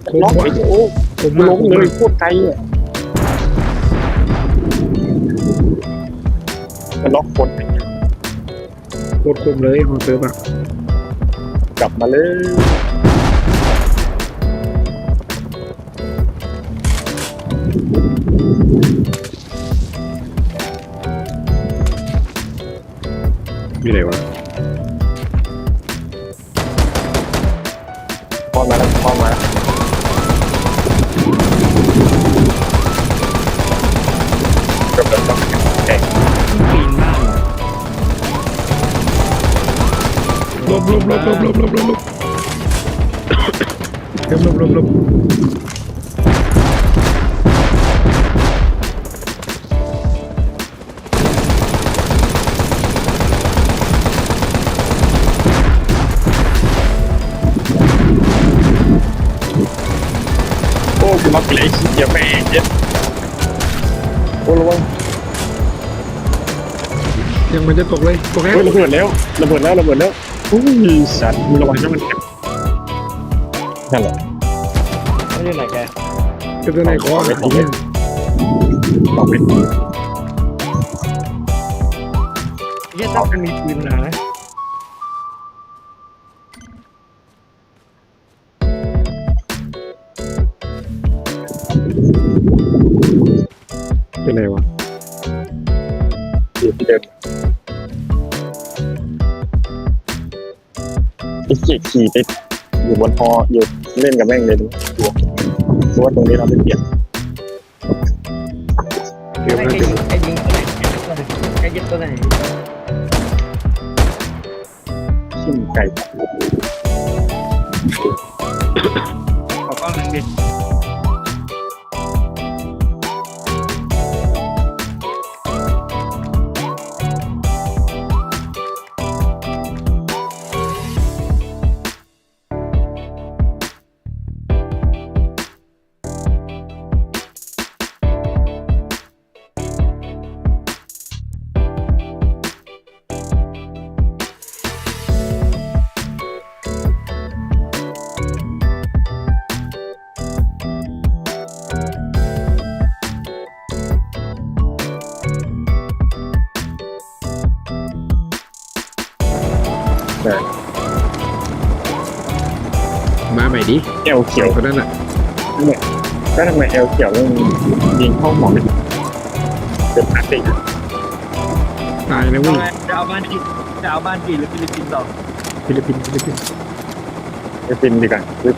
ล็อกไอ้โอ้ผมล้มเลยโคตรไกลอ่ะมันล็อกคนโคตรคมเลยของเซิร์ฟอะกลับมาเลยมีอะไรวะพอมาแล้วพอมาแล้วกำลังต้องแข่งปีนบ้านลบเซิร์ฟลบโอ้กูล็อกไปเลยเดี๋ยวแม่งเจ็บโอ้ระวังยังมันจะตกเลยตกแล้วเฮ้ยระเบิดแล้วอุ้ยสัตว์มึงระวังนะมันนั่นแหละเขาอยู่ไหนแกจะตัวไหนคอไอ้เนี่ยลองไปเฮียต้องมันมีปืนนะเป็นไรวะอยู่ที่เดิมไอ้เกียขี่ไปอยู่บนฮออยู่เล่นกับแม่งเลยดูดูว่าตรงนี้เราไม่เปลี่ยนเดี๋ยวไอ้มันยิจะงไอ้ยิงไอ้ยิงตัวไหนขึ้นไก่ขอกล้องหนึ่งดิมาใหม่ดิแอลเขียวคนนั้นอ่ะก็ทำไมแอลเขียวมันยิงเข้าหมอเป็นพลาสติกตายนะเอาเว้ยไงจะเอาบ้านจีนหรือฟิลิปปินส์ต่อฟิลิปปินส์ไปฟินดีกว่า